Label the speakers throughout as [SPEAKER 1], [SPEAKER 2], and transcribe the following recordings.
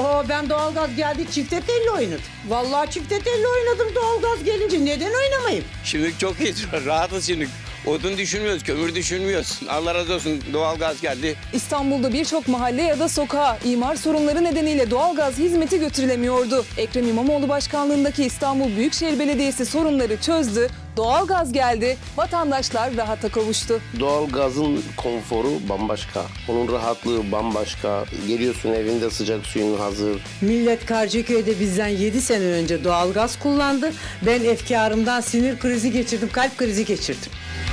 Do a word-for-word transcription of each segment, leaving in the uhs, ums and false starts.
[SPEAKER 1] Oho, ben doğalgaz geldi çifte telli oynadım. Vallahi çifte telli oynadım doğalgaz gelince. Neden oynamayayım?
[SPEAKER 2] Şimdi çok iyi, rahatız şimdi. Odun düşünmüyoruz, kömür düşünmüyoruz. Allah razı olsun, doğalgaz geldi.
[SPEAKER 3] İstanbul'da birçok mahalle ya da sokağa imar sorunları nedeniyle doğalgaz hizmeti götürülemiyordu. Ekrem İmamoğlu başkanlığındaki İstanbul Büyükşehir Belediyesi sorunları çözdü. Doğalgaz geldi, vatandaşlar rahata kavuştu.
[SPEAKER 4] Doğalgazın konforu bambaşka. Onun rahatlığı bambaşka. Geliyorsun evinde sıcak suyun hazır.
[SPEAKER 1] Millet Karşıyaköy'de bizden yedi sene önce doğalgaz kullandı. Ben efkarımdan sinir krizi geçirdim, kalp krizi geçirdim.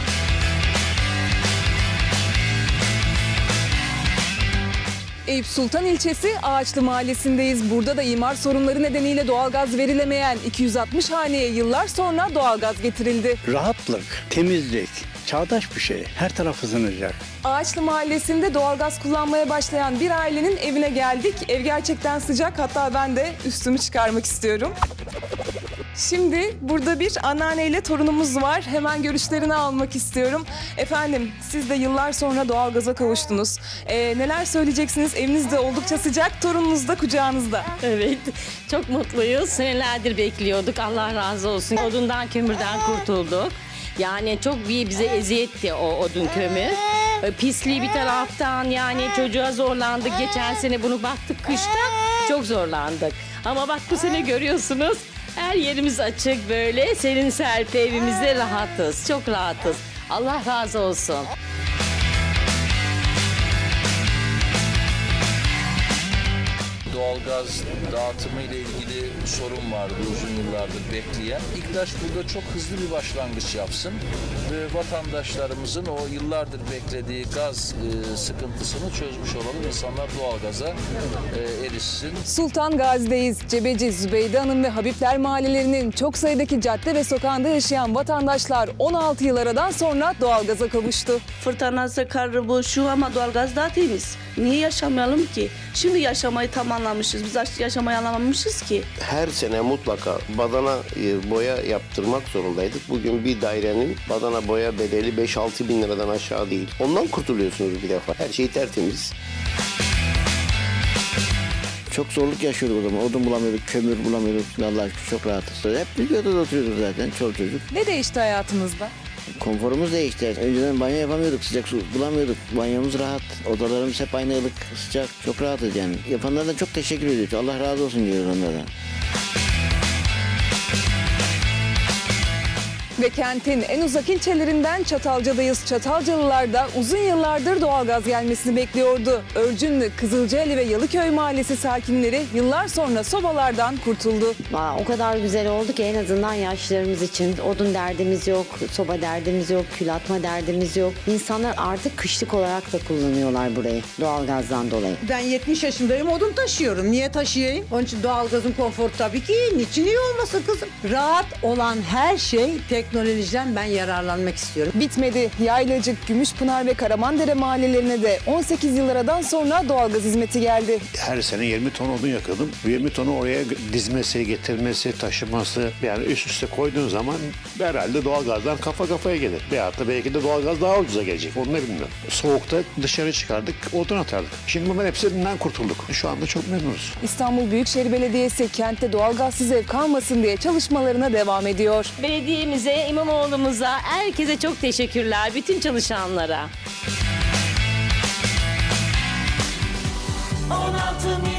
[SPEAKER 3] Eyüp Sultan ilçesi Ağaçlı mahallesindeyiz. Burada da imar sorunları nedeniyle doğalgaz verilemeyen iki yüz altmış haneye yıllar sonra doğalgaz getirildi.
[SPEAKER 5] Rahatlık, temizlik, çağdaş bir şey. Her taraf ısınacak.
[SPEAKER 3] Ağaçlı mahallesinde doğalgaz kullanmaya başlayan bir ailenin evine geldik. Ev gerçekten sıcak, hatta ben de üstümü çıkarmak istiyorum. Şimdi burada bir anneanneyle torunumuz var. Hemen görüşlerini almak istiyorum. Efendim, siz de yıllar sonra doğalgaza kavuştunuz. Ee, neler söyleyeceksiniz? Eviniz de oldukça sıcak, torununuz da kucağınızda.
[SPEAKER 6] Evet, çok mutluyuz. Senelerdir bekliyorduk. Allah razı olsun. Odundan, kömürden kurtulduk. Yani çok bir bize eziyetti o odun kömür. Pisliği bir taraftan, yani çocuğa zorlandık. Geçen sene bunu baktık kışta, çok zorlandık. Ama bak bu sene görüyorsunuz, her yerimiz açık böyle. Serin serpi evimizde rahatız, çok rahatız. Allah razı olsun.
[SPEAKER 7] Doğalgaz dağıtımı ile ilgili sorun vardı uzun yıllardır bekleyen. İKDAŞ burada çok hızlı bir başlangıç yapsın ve vatandaşlarımızın o yıllardır beklediği gaz e, sıkıntısını çözmüş olalım. İnsanlar doğalgaza e, erişsin.
[SPEAKER 3] Sultan Gazi'deyiz. Cebeci, Zübeyde Hanım ve Habibler mahallelerinin çok sayıdaki cadde ve sokağında yaşayan vatandaşlar on altı yıl aradan sonra doğalgaza kavuştu.
[SPEAKER 8] Fırtınası, karı, bu, şu ama doğalgaz daha temiz. Niye yaşamayalım ki? Şimdi yaşamayı tamamlamışız. Biz yaşamayı anlamamışız ki.
[SPEAKER 4] Her sene mutlaka badana e, boya yaptırmak zorundaydık. Bugün bir dairenin badana boya bedeli beş altı bin liradan aşağı değil. Ondan kurtuluyorsunuz bir defa. Her şey tertemiz.
[SPEAKER 5] Çok zorluk yaşıyorduk o zaman. Odun bulamıyorduk, kömür bulamıyorduk. Allah'a şükür çok rahatız. Hep bir odada oturuyorduk zaten, çoluk çocuk.
[SPEAKER 3] Ne değişti hayatınızda?
[SPEAKER 5] Konforumuz değişti. Önceden banyo yapamıyorduk, sıcak su bulamıyorduk. Banyomuz rahat, odalarımız hep aynı ılık, sıcak. Çok rahatız yani. Yapanlara çok teşekkür ediyoruz. Allah razı olsun diyoruz onlardan.
[SPEAKER 3] Ve kentin en uzak ilçelerinden Çatalca'dayız. Çatalcalılar da uzun yıllardır doğalgaz gelmesini bekliyordu. Örcünlü, Kızılcaeli ve Yalıköy mahallesi sakinleri yıllar sonra sobalardan kurtuldu.
[SPEAKER 9] Aa, o kadar güzel oldu ki en azından yaşlılarımız için odun derdimiz yok, soba derdimiz yok, kül atma derdimiz yok. İnsanlar artık kışlık olarak da kullanıyorlar burayı doğalgazdan dolayı.
[SPEAKER 1] Ben yetmiş yaşındayım, odun taşıyorum. Niye taşıyayım? Onun için doğalgazın konforu tabii ki iyi. Niçin iyi olmasın kızım? Rahat olan her şey teknolojiden ben yararlanmak istiyorum.
[SPEAKER 3] Bitmedi. Yaylacık, Gümüşpınar ve Karamandere mahallelerine de on sekiz yıl aradan sonra doğalgaz hizmeti geldi.
[SPEAKER 10] Her sene yirmi ton odun yakıyordum. yirmi tonu oraya dizmesi, getirmesi, taşıması, yani üst üste koyduğun zaman herhalde doğalgazdan kafa kafaya gelir. Veyahut da belki de doğalgaz daha ucuza gelecek. Onu da bilmiyorum. Soğukta dışarı çıkardık, odun atardık. Şimdi bunların hepsinden kurtulduk. Şu anda çok memnunuz.
[SPEAKER 3] İstanbul Büyükşehir Belediyesi kentte doğalgazsız ev kalmasın diye çalışmalarına devam ediyor.
[SPEAKER 6] Belediyemize, İmamoğlu'muza, herkese çok teşekkürler, bütün çalışanlara.
[SPEAKER 11] on altı